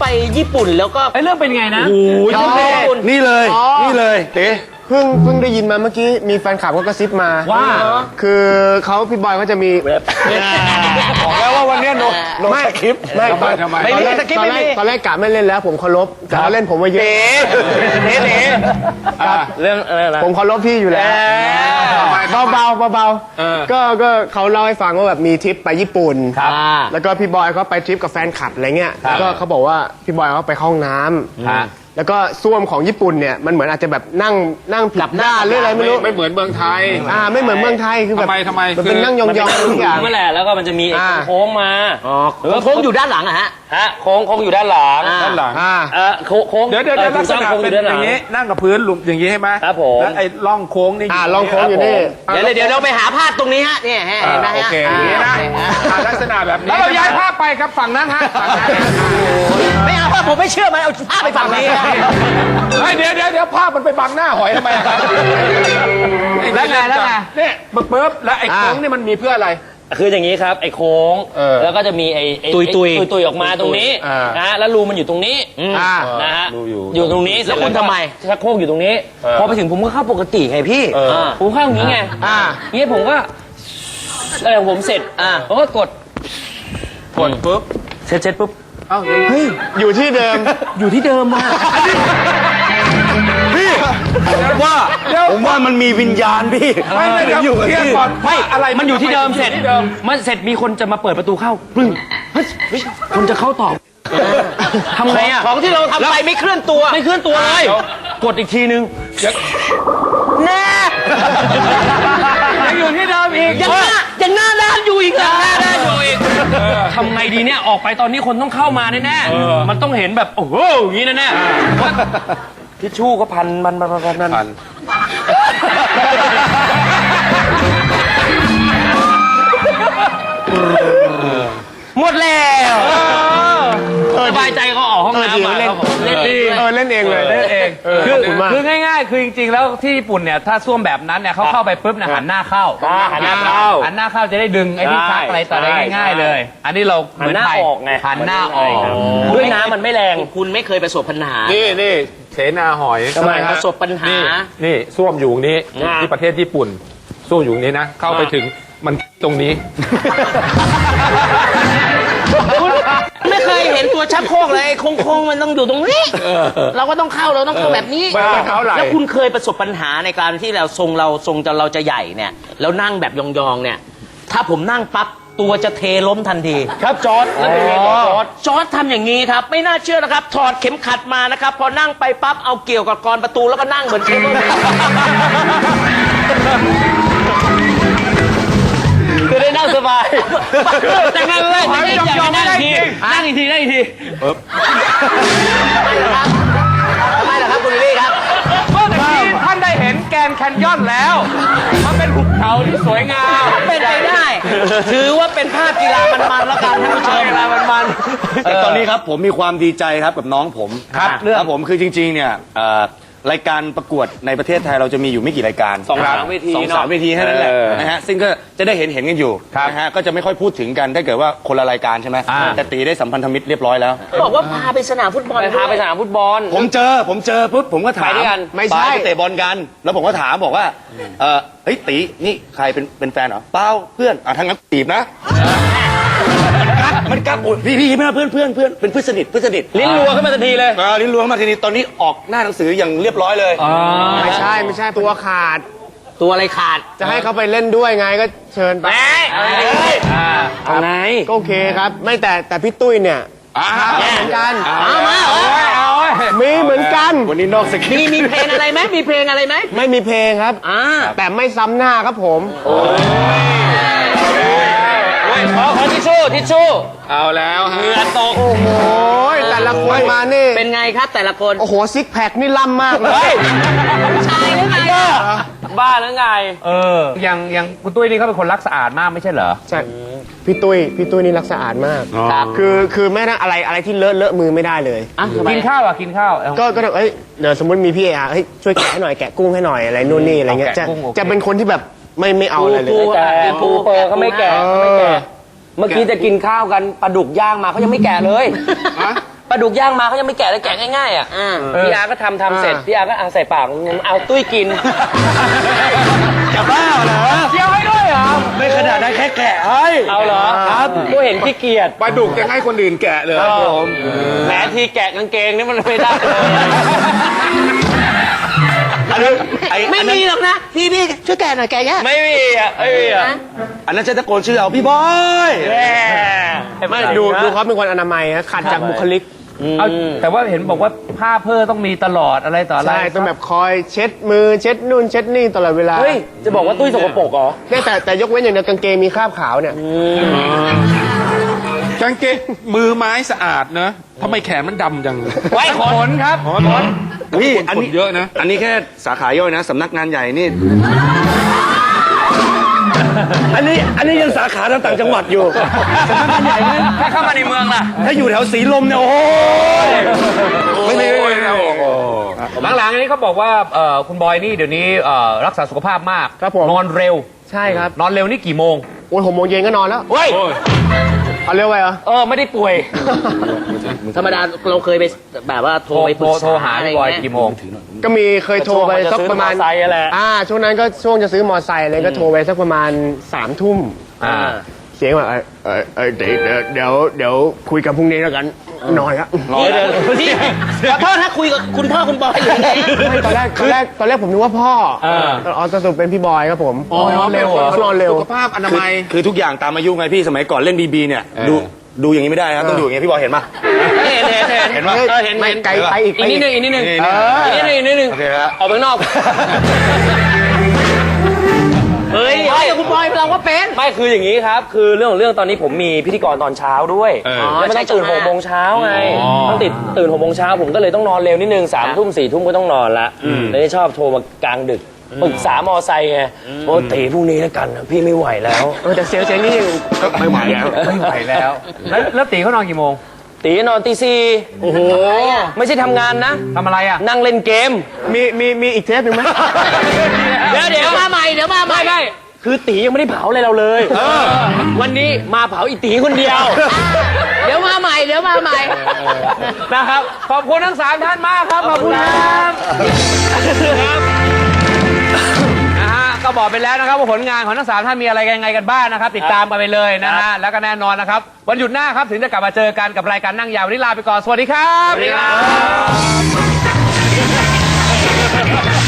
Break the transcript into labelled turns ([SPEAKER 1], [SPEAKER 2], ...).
[SPEAKER 1] ญี่ปุ่นแล้วก็
[SPEAKER 2] เรื่องเป็นไงนะ
[SPEAKER 1] โอ้ยญี่ปุ่น
[SPEAKER 3] นี่เลยนี่เลยเต๋
[SPEAKER 4] เพิ่งได้ยินมาเมื่อกี้มีแฟนคลับก็กระซิบมา
[SPEAKER 2] ว่า
[SPEAKER 4] คือพี่บอยเขาจะมี
[SPEAKER 3] บอกแล้วว่าวันนี้โนสคริปต์
[SPEAKER 4] ไม่
[SPEAKER 3] ทำไม
[SPEAKER 1] ไม่มีสคริปต์ไม่มี
[SPEAKER 4] ตอนแรกกะไม่เล่นแล้วผมเคารพแต่เขาเล่นผมมาเยอะ
[SPEAKER 1] เต๋เรื่องอะไรนะ
[SPEAKER 4] ผมเคารพพี่อยู่แล้วเบาๆก็เขาเล่าให้ฟังว่าแบบมีทริปไปญี่ปุ่นแล้วก็พี่บอยเขาไปทริปกับแฟนคลับอะไรเงี้ยแล้วก็เขาบอกว่าพี่บอยเขาไปเข้าห้องน้ำแล้วก็ส้วมของญี่ปุ่นเนี่ยมันเหมือนอาจจะแบบนั่งผิดด้านหรืออะไรไม่รู้
[SPEAKER 3] ไม่เหมือนเมืองไทย
[SPEAKER 4] ไม่เหมือนเมืองไทยคือแบบ
[SPEAKER 3] ทำไม
[SPEAKER 4] มันเป็นนั่งยองๆทุกอย่าง
[SPEAKER 1] เมื่อแหละแล้วก็มันจะมีไอ้โค้งมา
[SPEAKER 4] โค้งอยู่ด้านหลังอะฮะ
[SPEAKER 1] โค้งอยู่ด้านหลัง
[SPEAKER 3] ด้านหลัง
[SPEAKER 1] โค้ง
[SPEAKER 3] เดี๋ยวลักษณะเป็นอย่างนี้นั่งกับพื้นหลุมอย่างนี้ใช่ไหม
[SPEAKER 1] ครับผม
[SPEAKER 3] แล้วไอ้ร่องโค้งนี่
[SPEAKER 4] ร่องโค้งอยู่นี่
[SPEAKER 1] เดี๋ยวเราไปหาภาพตรงนี้ฮะเนี่ยเห็นไหมฮะ
[SPEAKER 3] โอเคอย่างนี้นะลักษณะแบบนี้แล้วเราย้ายภาพไปครับฝั่งนั้นฮะฝั่งนั้น
[SPEAKER 1] ไม่เอาผมไม่เชื่อมันเอาภาพไปฝั่งนี้
[SPEAKER 3] เดี๋ยวภาพมันไปบังหน้าหอยทำไมครับแล้วไงเนี่ยปุ๊บแล้วไอ้โค้งนี่มันมีเพื่ออะไร
[SPEAKER 1] คืออย่างนี้ครับไอ้โค้งแล้วก็จะมีไอ้ตุยออกมาตรงนี้นะแล้วรูมันอยู่ตรงนี้นะฮะอยู่ตรงนี้แล้วคุณทำไมชักโครกอยู่ตรงนี้พอไปถึงผมก็เข้าปกติไงพี่ผมเข้าอย่างนี้ไงงี้ผมก็แล้วผมเสร็จผมก็กด
[SPEAKER 3] ปุ๊บ
[SPEAKER 1] เสร็จปุ๊บ
[SPEAKER 4] อยู่ที่เดิม
[SPEAKER 1] อยู่ที่เดิมมา
[SPEAKER 3] พี่ผมว่ามันมีวิญญาณพี่ไม่อยู่เคลียร์ก่อน
[SPEAKER 1] ไม่อะไรมันอยู่ที่เดิมเสร็จมันเสร็จมีคนจะมาเปิดประตูเข้าปึ้งคนจะเข้าต่อทำไงอ่ะของที่เราทำไปไม่เคลื่อนตัวเลยกดอีกทีนึงแน่ยังอยู่ที่เดิมอีกยังหน้าด้านอยู่อีกเหรอหน้าด้านอยู่อีกทำไงดีเนี่ยออกไปตอนนี้คนต้องเข้ามาแน่ๆมันต้องเห็นแบบโอ้โหอย่างนี้แน่ๆทิชชู่ก็พันหมดแล้วสบายใจก็ออกห้องน้ำมาเล่น
[SPEAKER 4] เองเลย
[SPEAKER 2] คือง่ายๆคือจริงๆแล้วที่ญี่ปุ่นเนี่ยถ้าส้วมแบบนั้นเนี่ยเขาเข้าไปปุ๊บเนี่ยหันหน้าเข้าหันหน้าเข้าจะได้ดึงไอ้ที่ชักอะไรต่ออะไรง่ายๆเลยอันนี้เราเหมือนไทยหันหน้าออก
[SPEAKER 1] ด้วยน้ำมันไม่แรงคุณไม่เคยประสบปัญหา
[SPEAKER 3] นี่เสนาหอย
[SPEAKER 1] ทำไมประสบปัญหา
[SPEAKER 3] นี่ส้วมอยู่นี้ที่ประเทศญี่ปุ่นส้วมอยู่นี้นะเข้าไปถึงมันตรงนี้
[SPEAKER 1] ไม่เคยเห็นตัวชักโครกเลยโค้งๆมันต้องอยู่ตรงนี้เราก็ต้องเข้าแบบนี้แล้วคุณเคยประสบปัญหาในการที่เราทรงเราจะใหญ่เนี่ยแล้วนั่งแบบยองๆเนี่ยถ้าผมนั่งปั๊บตัวจะเทล้มทันทีครับจอร์จทำอย่างนี้ครับไม่น่าเชื่อนะครับถอดเข็มขัดมานะครับพอนั่งไปปั๊บเอาเกี่ยวกับกรประตูแล้วก็นั่งเหมือนจะได้นั่งสบายแต่นั่งเลยนั่งอีกทีทำไมล่ะครับคุณวิลลี่ครับ
[SPEAKER 2] เมื่อกี้ท่านได้เห็นแกนแคนยอนแล้วมันเป็นหุบเขาที่สวยงาม
[SPEAKER 1] เป็นไปได้ถือว่าเป็นภาพกีฬามันๆแล้วกันท่านผู้ชมกีฬามัน
[SPEAKER 3] ๆตอนนี้ครับผมมีความดีใจครับกับน้องผมครับผมคือจริงๆเนี่ยรายการประกวดในประเทศไทยเราจะมีอยู่ไม่กี่รายการ
[SPEAKER 1] 2-3 เวที
[SPEAKER 3] 2-3 เวทีแค่นั้นแหละนะฮะซึ่งก็จะได้เห็นกันอยู่นะฮะก็จะไม่ค่อยพูดถึงกันถ้าเกิดว่าคนละรายการใช่ไหมแต่ตีได้สัมพันธมิตรเรียบร้อยแล้ว
[SPEAKER 1] บอกว่าพาไปสนามฟุตบอล
[SPEAKER 3] ผมเจอปุ๊บผมก็ถาม
[SPEAKER 1] ไม่ใช่
[SPEAKER 3] ไปเตะบอลกันแล้วผมก็ถามบอกว่าเฮ้ยตีนี่ใครเป็นแฟนเหรอเปล่าเพื่อนทั้งนั้นตีบนะมันกักอุดพี่ไม่ใช่เพื่อนเป็นเพื่อนสนิท
[SPEAKER 1] ลิ้นรัวขึ้นมาทันทีเลย
[SPEAKER 3] ลิ้นรัวขึ้นมาทันทีตอนนี้ออกหน้าหนังสืออย่างเรียบร้อยเลย
[SPEAKER 4] ไม่ใช่ตัวขาด
[SPEAKER 1] ตัวอะไรขาด
[SPEAKER 4] จะให้เขาไปเล่นด้วยไงก็เชิญไป
[SPEAKER 1] เอาไง
[SPEAKER 4] ก็โอเคครับไม่แต่พี่ตุ้ยเนี่ยเหมือนกันมีเหมือนกัน
[SPEAKER 3] วันนี้นอกสคริปต์
[SPEAKER 1] มีเพลงอะไรไหม
[SPEAKER 4] ไม่มีเพลงครับแต่ไม่ซ้ำหน้าครับผม
[SPEAKER 1] ขอทิชชู่
[SPEAKER 3] เอาแล้ว
[SPEAKER 1] เหงื่อตก
[SPEAKER 4] โอ้โหแต่ละคนมานี่
[SPEAKER 1] เป็นไงครับแต่ละคน
[SPEAKER 4] โอ้โหซิกแพคนี่ล่ำมากเลย
[SPEAKER 1] ชายหรือไงบ้าหรือไง
[SPEAKER 2] อย่างคุณตุ้ยนี่เขาเป็นคนรักสะอาดมากไม่ใช่เหรอ
[SPEAKER 4] ใช่พี่ตุ้ยนี่รักสะอาดมากคือแม้แต่อะไรที่เลอะมือไม่ได้เลย
[SPEAKER 2] กินข้าว
[SPEAKER 4] ก็เดี๋ยวสมมติมีพี่ช่วยแกะให้หน่อยแกะกุ้งให้หน่อยอะไรนู่นนี่อะไรเงี้ยจะเป็นคนที่แบบไม่เอาอะไรเลย
[SPEAKER 1] ปูเปอร์เขาไม่แกะเมื่อกี้จะกินข้าวกันปลาดุกย่างมาเขายังไม่แกะเลย
[SPEAKER 5] ปลาดุกย่างมาเขายังไม่แกะเลยแกะง่ายๆอ่ะพี่อาก็ทำเสร็จพี่อาก็เอาใส่ปากเอาตุ้ยกิน
[SPEAKER 3] จะบ้าเหรอ
[SPEAKER 5] เคี้ยวให้ด้วยเหรอ
[SPEAKER 3] ไม่ขนาดนั้นแค่แกะให้
[SPEAKER 5] เอาเหรอครับกูเห็นขี้เกียจ
[SPEAKER 4] ปลาดุกจะให้คนอื่นแกะเลย
[SPEAKER 5] แหมทีแกะกางเกงนี่มันไม่ได้เลย
[SPEAKER 3] อันนั้น
[SPEAKER 1] ไม่มีหรอกนะพี่ช่วยแกะหน่อยแกะแกะ
[SPEAKER 5] ไม่มีอ่ะไม่มีอ่ะ
[SPEAKER 3] อันนั้นจะตะโกนชื่อเอาพี่บอย
[SPEAKER 4] ไม่ดูเขาเป็นคนอนามัยฮะขัดจากบุคลิก
[SPEAKER 2] เอาแต่ว่าเห็นบอกว่าผ้าเพื่อต้องมีตลอดอะไรต่ออะไร
[SPEAKER 4] ใช่ต้องแบบคอยเช็ดมือเช็ดนู่นเช็ดนี่ตลอดเวลา
[SPEAKER 5] เฮ้ยจะบอกว่าตุ้ยสกปรกเหรอ
[SPEAKER 4] เนี่ยแต่ยกเว้นอย่างเดียวกางเกงมีคราบขาวเนี่ย
[SPEAKER 6] กางเกงมือไม้สะอาดเนอะทำไมแขนมันดำจัง
[SPEAKER 2] ไว้ขนครับขน
[SPEAKER 3] นี่
[SPEAKER 6] อันนี้เยอะนะ
[SPEAKER 3] อันนี้แค่สาขาย่อยนะสำนักงานใหญ่นี่ อันนี้ยังสาขาทางต่างจังหวัดอยู่สำนักงานใหญ่ไหม
[SPEAKER 5] ถ้าเข้ามาในเมืองล่ะ
[SPEAKER 3] ถ้าอยู่แถวสีลมเนี่ยโอ้ยไม่มี
[SPEAKER 2] หลังๆอันนี้เขาบอกว่าคุณบอยนี่เดี๋ยวนี้รักษาสุขภาพมาก
[SPEAKER 4] ครับผม
[SPEAKER 2] นอนเร็ว
[SPEAKER 4] ใช่ครับ
[SPEAKER 2] นอนเร็วนี่กี่โมง
[SPEAKER 4] โอ้ย6 โมงเย็นก็นอนแล้ว
[SPEAKER 5] เฮ้ย
[SPEAKER 4] เอาเร็วไปเหรอ
[SPEAKER 5] ไม่ได้ป่วย
[SPEAKER 1] ธรรมดาเราเคยไปแบบว่าโทรไปปรึกษา
[SPEAKER 2] โทรหาพี่บอย
[SPEAKER 1] ะไรเงี้
[SPEAKER 2] กี่โมง
[SPEAKER 4] ก็มีเคยโทรไปสักประมาณ
[SPEAKER 5] จะซื้อมอไซค์แหละ
[SPEAKER 4] ช่วงนั้นก็ช่วงจะซื้อมอไซค์อะไรก็โทรไปสักประมาณ3 ทุ่ม เสียงแบบเดี๋ยวคุยกันพรุ่งนี้แล้วกันนอนครับ
[SPEAKER 1] พี่ขอโทษนะคุยกับคุณพ่อคุณบอยอยู่ยังไง
[SPEAKER 4] ตอนแรกผมนึกว่าพ่อสรุปเป็นพี่บอยครับผมนอนเร็วเหรอนอนเร็ว
[SPEAKER 6] สุขภาพอนามัย
[SPEAKER 3] คือทุกอย่างตามอายุไงพี่สมัยก่อนเล่นบีเนี่ยดูอย่างนี้ไม่ได้ครับต้องดูอย่างนี้พี่บอยเห็นปะ
[SPEAKER 1] เห็นไหมเห็น
[SPEAKER 4] ไม่ไกลไปอีก
[SPEAKER 5] อีกนิดนึงอีกนิดนึง
[SPEAKER 3] นี่
[SPEAKER 5] อีกนิดนึง
[SPEAKER 3] โอเคฮะ
[SPEAKER 5] ออกไปข้างนอก
[SPEAKER 1] เฮ้ยคุณบอยเราก็เป็น
[SPEAKER 5] ไม่คืออย่างนี้ครับ คือเรื่องของเรื่องตอนนี้ผมมีพิธีกรตอนเช้าด้วยแล้วมันต้องตื่น6 โมงเช้าไงต้องตื่น6 โมงเช้าผมก็เลยต้องนอนเร็วนิดนึง3 ทุ่ม4 ทุ่มก็ต้องนอนละเลยชอบโทรมากลางดึกปรึกษามอไซค์ไงโอ้ตีพรุ่งนี้แล้วกันนะพี่ไม่ไหวแล้ว
[SPEAKER 4] แต่เสียงนี่ไม่ไหวแล้ว
[SPEAKER 2] ไม่ไหวแล้ว แล้วตีเขานอนกี่โมง
[SPEAKER 5] ตีนอนตี 4โอ้โหไม่ใช่ทำงานนะ
[SPEAKER 2] ทำอะไรอ่ะ
[SPEAKER 5] นั่งเล่นเกม
[SPEAKER 4] มีอีกเทปหนึ่งไหม
[SPEAKER 5] เดี๋ยวมาใหม่ไม่คือตียังไม่ได้เผาอะไรเราเลยวันนี้มาเผาอีตีคนเดียว
[SPEAKER 1] เดี๋ยวมาใหม่
[SPEAKER 5] นะครับ
[SPEAKER 2] ขอบคุณทั้ง3ท่านมากครับ ขอบคุณครับนะฮะก็บอกไปแล้วนะครับว่าผลงานของทั้ง3ท่านมีอะไรยังไงกันบ้างนะครับ ติดตามกันไปเลยนะฮะแล้วก็แน่นอนนะครับวันหยุดหน้าครับถึงจะกลับมาเจอกันกับรายการนั่งยาววันนี้ลาไปก่อนสวัสดีครับ